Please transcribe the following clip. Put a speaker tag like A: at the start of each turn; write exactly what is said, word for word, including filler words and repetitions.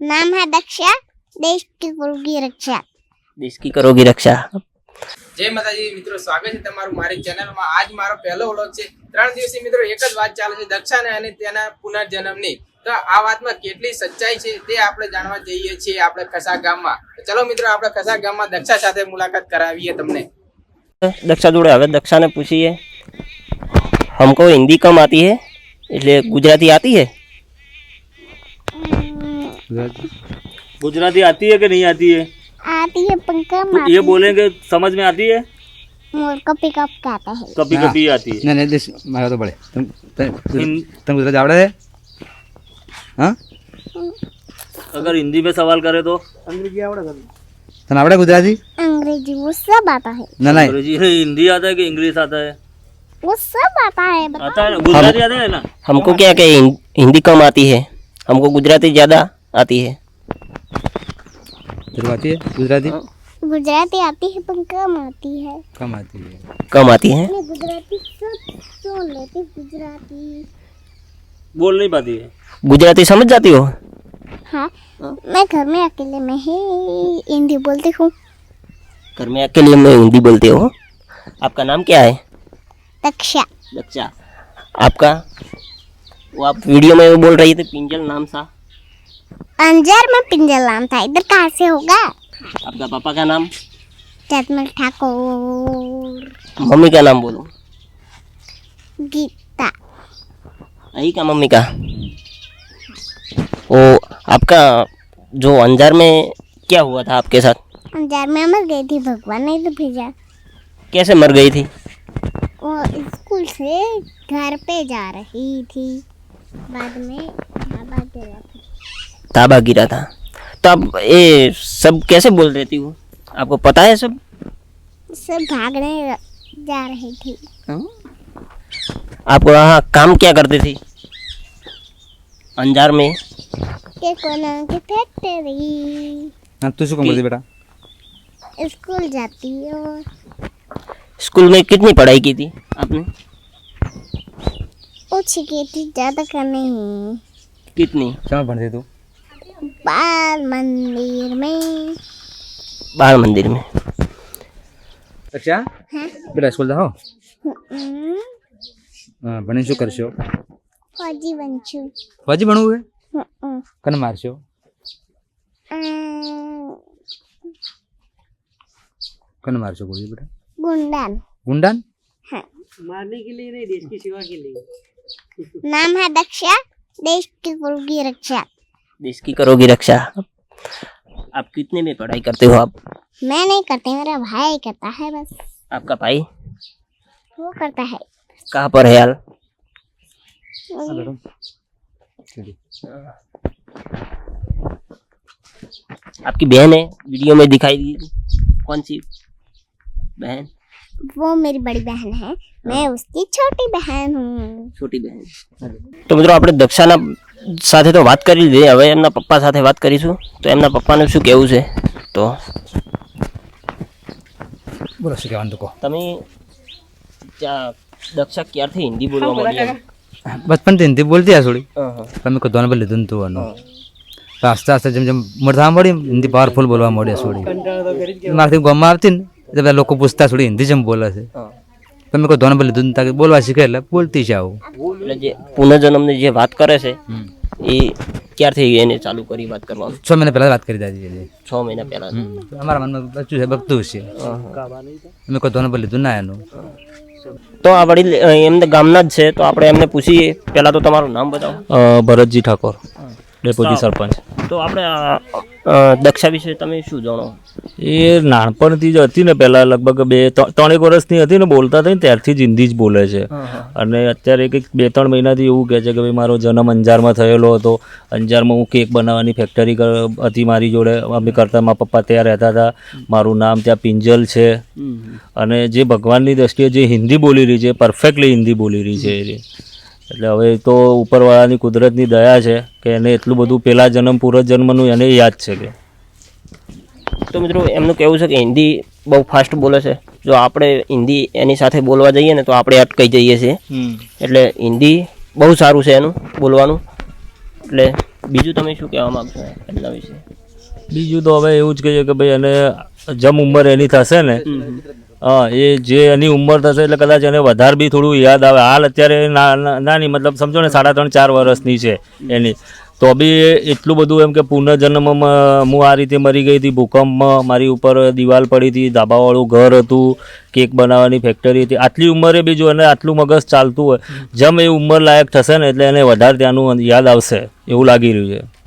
A: नाम है दक्षा, देश की करोगी रक्षा।
B: देश की करोगी रक्षा।
C: जय माताजी मित्रों, स्वागत है તમારું મારી ચેનલમાં। આજ મારો પહેલો વ્લોગ છે। ત્રણ દિવસથી મિત્રો એક જ વાત ચાલે છે દક્ષાને અને તેના પુનર્જન્મની। તો આ વાતમાં કેટલી સચ્ચાઈ છે તે આપણે જાણવા જઈએ છીએ આપણે કસા ગામમાં। તો ચલો મિત્રો આપણે કસા ગામમાં દક્ષા સાથે મુલાકાત કરાવીએ તમને।
B: दक्षा जोड़े हवे दक्षा ने पूछिए, हमको हिंदी कम आती है इसलिए गुजराती आती है।
D: गुजराती आती है कि नहीं आती है?
A: आती है पंखा
D: तो ये बोलेंगे समझ में आती है?
A: मोर कपी कप कहते हैं।
D: कभी कभी आती है।
E: नहीं नहीं देश मारा तो बड़े तुम तुम गुजराती आवड़े है? हाँ
D: अगर हिंदी में सवाल करे तो
E: अंग्रेजी आवड़े तने आवड़े गुजराती?
A: अंग्रेजी वो सब आता है।
E: ना नहीं
D: अंग्रेजी हिंदी आता है कि इंग्लिश आता है?
A: वो सब आता है। बताओ।
D: आता है, गुजराती आता है ना।
B: हमको क्या क्या हिंदी कम आती है, हमको गुजराती ज़्यादा आती है।
E: तेरे को आती है गुजराती?
A: गुजराती आती है पर कम आती है।
E: कम आती है।
B: कम आती है।
A: मैं गुजराती सब सुन लेती, गुजराती
D: बोल नहीं पाती है।
B: गुजराती समझ जाती हो?
A: हाँ, मैं घर में अकेले में ही हिंदी बोलती हूँ।
B: घर में अकेले में हिंदी बोलते हो। आपका नाम क्या है?
A: दक्षा।
B: दक्षा। आपका वो आप वीडियो में वो बोल रही थी पिंजल नाम सा।
A: अंजार में पिंजल नाम था, इधर कहाँ से होगा?
B: आपका पापा का नाम?
A: जतमल ठाकुर।
B: मम्मी का नाम बोलो।
A: गीता।
B: यही का मम्मी का। वो आपका जो अंजार में क्या हुआ था आपके साथ?
A: अंजार में मर गई थी, भगवान ने तो भेजा।
B: कैसे मर गई थी?
A: वो स्कूल से घर पे जा रही थी, बाद में ढाबा गिरा था।
B: ताबा गिरा था। तो आप ये सब कैसे बोल रही थी? वो आपको पता है सब?
A: सब भागने जा रही थी।
B: आप वहाँ काम क्या करती थी अंजार में?
A: के कोना की फैक्ट्री।
E: हाँ तू शू काम करती बेटा?
A: स्कूल जाती हो।
B: स्कूल में कितनी पढ़ाई की थी आपने?
A: ओछी की थी, ज्यादा का नहीं।
B: कितनी?
E: कहाँ पढ़ती तू?
A: बाल मंदिर में।
B: बाल मंदिर में।
E: अच्छा
A: हाँ?
E: बेटा स्कूल जाओ।
A: हम्म,
E: हाँ बनी शू करशो?
A: फौजी बनचू।
E: फौजी बनવું है?
A: हम्म,
E: कने मारशो?
A: अं,
E: कने मारशो गोली बेटा?
A: गुंडन।
E: गुंडान?
A: हाँ।
C: मारने के लिए नहीं, देश की सेवा के लिए।
A: नाम है दक्षा, देश की करोगी रक्षा।
B: देश की करोगी रक्षा। आप कितने में पढ़ाई करते हो आप?
A: मैं नहीं करती, मेरा भाई करता है बस।
B: आपका भाई
A: वो करता है।
B: कहाँ पर है यार? आपकी बहन है, वीडियो में दिखाई दी। कौन सी बहन?
A: वो मेरी बड़ी बहन है, मैं उसकी छोटी बहन हूँ।
B: छोटी बहन। तो મિત્રો આપણે દક્ષાના સાથે તો વાત કરી લીધી, હવે એમના પપ્પા સાથે વાત કરીશું। તો એમના પપ્પાને શું કહેવું છે? તો
E: બોલો શું કહેવાનું તો કહો।
B: તમે દક્ષા ક્યારથી હિન્દી બોલવા માંડી?
E: बचपन से हिंदी बोलती है थोड़ी,
B: હા હા
E: पर मेरे को दोनों बोले धुन तो वनो तो आस्ते आस्ते जब जब मरता मड़ी हिंदी पावरफुल बोलवा मड़ी थोड़ी मारती गाँव में आती जब लोग को पूछता थोड़ी हिंदी जब बोला से, पर मेरे को दोनों बोले धुन ताकि बोलवा सीखे बोलती जाओ।
B: એટલે જે પુનર્જન્મની જે વાત કરે છે એ ક્યારથી એને ચાલુ કરી વાત કરવાનું?
E: छः महीने पहले बात करी दादी जी।
B: છ મહિના પહેલા।
E: हमारा मन में बच्चू है बकतू से मेरे को दोनों बोले धुन आया नो।
B: તો આ વડીલ એમને ગામના જ છે, તો આપણે એમને પૂછીએ। પહેલા તો તમારું નામ બતાવો।
D: ભરતજી ઠાકોર, ડેપ્યુટી સરપંચ।
B: તો આપણે દક્ષા વિશે તમે શું જાણો?
D: એ નાનપણથી જ હતી ને, પહેલાં લગભગ બે ત્રણેક વર્ષની હતી ને, બોલતા થઈ ને ત્યારથી જ હિન્દી જ બોલે છે। અને અત્યારે કંઈક બે ત્રણ મહિનાથી એવું કહે છે કે ભાઈ મારો જન્મ અંજારમાં થયેલો હતો, અંજારમાં હું કેક બનાવવાની ફેક્ટરી હતી મારી જોડે, અમે કરતા, મારા પપ્પા ત્યાં રહેતા હતા, મારું નામ ત્યાં પિંજલ છે। અને જે ભગવાનની દ્રષ્ટિએ જે હિન્દી બોલી રહી છે, પરફેક્ટલી હિન્દી બોલી રહી છે એ। એટલે હવે તો ઉપરવાળાની કુદરતની દયા છે કે એને એટલું બધું પહેલાં જન્મ પૂર્વજન્મનું એને યાદ છે કે।
B: તો મિત્રો એમનું કહેવું છે કે હિન્દી બહુ ફાસ્ટ બોલે છે, જો આપણે હિન્દી એની સાથે બોલવા જઈએ ને તો આપણે અટકાઈ જઈએ છીએ। એટલે હિન્દી બહુ સારું છે એનું બોલવાનું। એટલે બીજું તમે શું કહેવા માંગશો એમના વિશે?
D: બીજું તો હવે એવું જ કહીએ કે ભાઈ એને જેમ ઉંમર એની થશે ને, હા, એ જે એની ઉંમર થશે એટલે કદાચ એને વધારે બી થોડું યાદ આવે. હાલ અત્યારે ના- ના- નાની મતલબ સમજો ને સાડા ત્રણ ચાર વર્ષની છે એની, તો બી એટલું બધું એમ કે પુનર્જન્મમાં હું આ રીતે મરી ગઈ હતી, ભૂકંપમાં મારી ઉપર દિવાલ પડી હતી, ધાબાવાળું ઘર હતું, કેક બનાવવાની ફેક્ટરી હતી, આટલી ઉંમરે બી જો એને આટલું મગજ ચાલતું હોય, જેમ એ ઉંમર લાયક થશે ને એટલે એને વધારે ત્યાંનું યાદ આવશે એવું લાગી રહ્યું છે.